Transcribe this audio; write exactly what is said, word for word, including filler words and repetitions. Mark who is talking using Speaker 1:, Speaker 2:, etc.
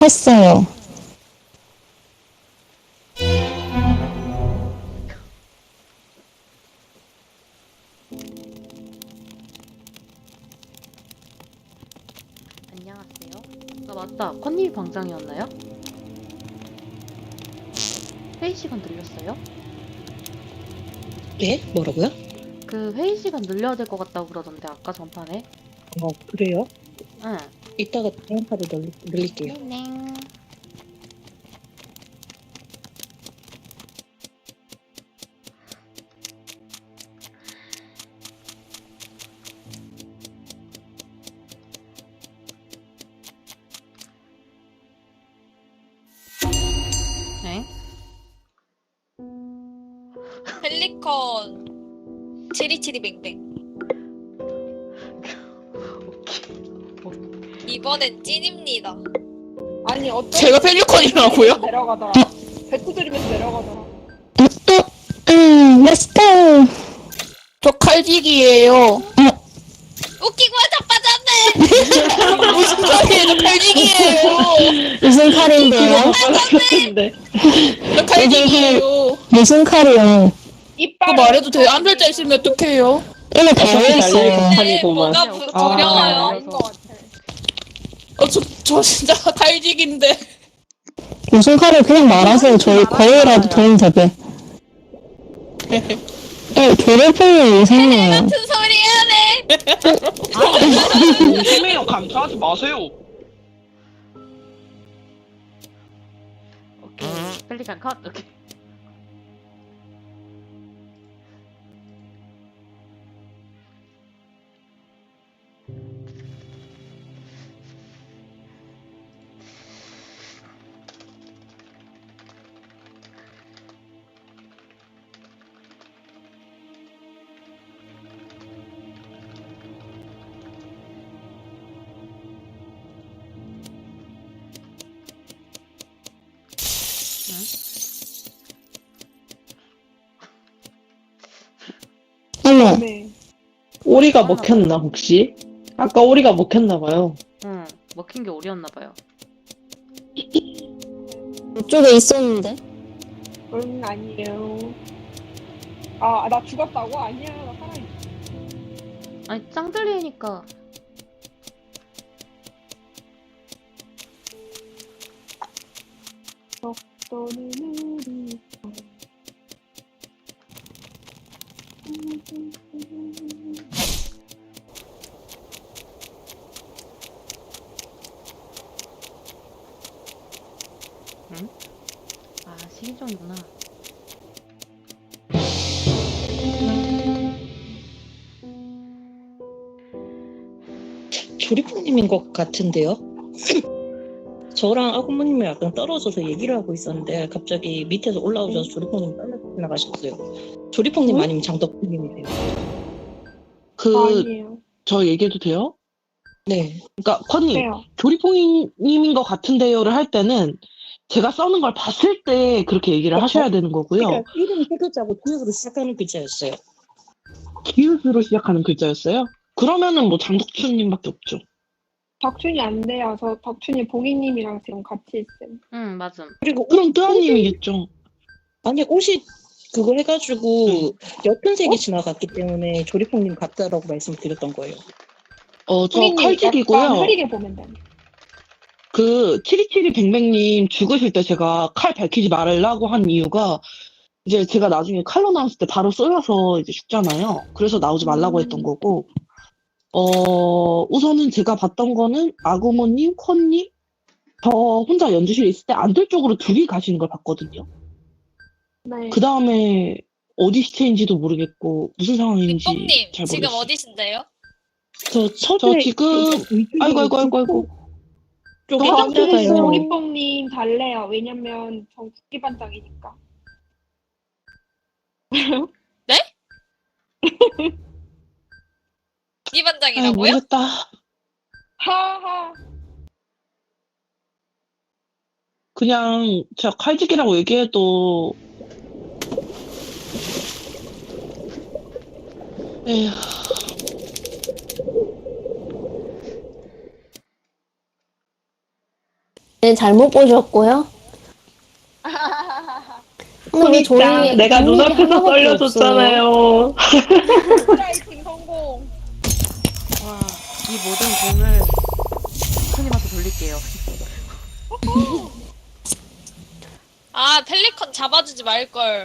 Speaker 1: 했어요.
Speaker 2: 안녕하세요. 아 맞다. 컨님이 방장이었나요? 회의 시간 늘렸어요?
Speaker 3: 예? 뭐라고요?
Speaker 2: 그 회의 시간 늘려야 될 것 같다고 그러던데 아까 전판에.
Speaker 3: 어, 그래요?
Speaker 2: 응.
Speaker 3: 이따가 다음 판에 널, 늘릴게요.
Speaker 2: 네. 네.
Speaker 4: 펠리컨 치리치리뱅뱅. 이번엔 찐입니다.
Speaker 5: 아니 어떤
Speaker 6: 제가 펠리컨이라고요?
Speaker 5: 내려가더라. 배트 들이면서 내려가더라.
Speaker 1: 음, 렛츠고!
Speaker 6: 저 칼직이에요.
Speaker 4: 웃기고 자빠졌네.
Speaker 6: 무슨 소리예요? 저 칼직이에요.
Speaker 1: 무슨 칼인데요?
Speaker 6: 저 칼직이에요.
Speaker 1: 무슨 칼이요?
Speaker 5: 이빨.
Speaker 6: 그거 말해도 돼요? 한 글자 있으면 어떡해요?
Speaker 1: 이거 달려있어요.
Speaker 4: 네, 뭐가 부,
Speaker 2: 아,
Speaker 4: 두려워요.
Speaker 5: 아닌 것 같아.
Speaker 6: 어, 저, 저 진짜 칼직인데.
Speaker 1: 무슨 칼을 그냥 말하세요. 저희 거의라도 도움 되게. 네, 괴롭히면 이상해요.
Speaker 4: 같은 소리 하네.
Speaker 7: 심해요. 감사하지 마세요.
Speaker 2: 오케이. 펠리칸 컷. 오케이.
Speaker 1: 어머,
Speaker 5: 네.
Speaker 8: 오리가 먹혔나 혹시? 아까 오리가 먹혔나봐요.
Speaker 2: 응. 먹힌 게 오리였나 봐요.
Speaker 1: 이쪽에 있었는데?
Speaker 5: 응 아니에요. 아 나 죽었다고? 아니야 나 살아있어.
Speaker 2: 아니 짱들리니까.
Speaker 5: 너는 우리.
Speaker 2: 아 식인종이구나.
Speaker 3: 조리포님인 것 같은데요? 저랑 아구모님이 약간 떨어져서 얘기를 하고 있었는데 갑자기 밑에서 올라오셔서 조리포님 떨어져 나가셨어요. 조리포님
Speaker 5: 응?
Speaker 3: 아니면 장덕님이세요.
Speaker 7: 그,
Speaker 5: 아니에요.
Speaker 7: 저 얘기해도 돼요?
Speaker 3: 네.
Speaker 7: 그러니까, 컨님,
Speaker 5: 네요.
Speaker 7: 조리퐁님인 것 같은데요를 할 때는 제가 써는 걸 봤을 때 그렇게 얘기를
Speaker 3: 어,
Speaker 7: 하셔야 되는 거고요.
Speaker 3: 그러니까 이름 세 글자고 구역으로 시작하는 글자였어요.
Speaker 7: 기웃으로 시작하는 글자였어요? 그러면은 뭐 장덕춘님밖에 없죠.
Speaker 5: 덕춘이 안 돼요. 저 덕춘이 봉이님이랑 지금 같이 있음.
Speaker 2: 응 맞음.
Speaker 3: 그리고
Speaker 7: 그럼 뜨아님이겠죠.
Speaker 3: 아니 옷이 그거 해가지고 옅은 색이 지나갔기 때문에 조리포님 같다라고 말씀드렸던 거예요.
Speaker 7: 어, 저
Speaker 5: 봉이님 약간
Speaker 7: 칼직이고요.
Speaker 5: 흐리게 보면 돼.
Speaker 7: 그, 치리치리뱅뱅님 죽으실 때 제가 칼 밝히지 말라고 한 이유가 이제 제가 나중에 칼로 나왔을 때 바로 쏘여서 이제 죽잖아요. 그래서 나오지 말라고
Speaker 5: 음.
Speaker 7: 했던 거고, 어, 우선은 제가 봤던 거는 아구모님, 콘님, 저 혼자 연주실에 있을 때 안뜰쪽으로 둘이 가시는 걸 봤거든요.
Speaker 5: 네.
Speaker 7: 그 다음에 어디 시체인지도 모르겠고 무슨 상황인지
Speaker 4: 빅bom님
Speaker 7: 잘
Speaker 4: 지금
Speaker 7: 모르겠어요.
Speaker 4: 어디신데요?
Speaker 3: 저
Speaker 7: 저
Speaker 3: 서재
Speaker 7: 지금 아이고 아이고 아이고 아이고
Speaker 3: 쪽에
Speaker 7: 저
Speaker 5: 덕춘이
Speaker 3: 앉아가요.
Speaker 5: 조리뽕님 달래요. 왜냐면 전 국기반장이니까.
Speaker 4: 이
Speaker 7: 아이
Speaker 4: 반장이라고요?
Speaker 7: 모르겠다.
Speaker 5: 하하.
Speaker 7: 그냥 제가 칼직이라고 얘기해도 에휴.
Speaker 9: 네, 잘못 보셨고요. 근데 왜 저희
Speaker 8: 손이짱, 내가
Speaker 9: 빅맥이
Speaker 8: 눈앞에서
Speaker 9: 하나밖에 없어요?
Speaker 8: 썰려줬잖아요.
Speaker 5: 프라이팅 성공.
Speaker 2: 와, 이 모든 공을 손님한테 돌릴게요.
Speaker 4: 아 펠리컨 잡아주지 말걸.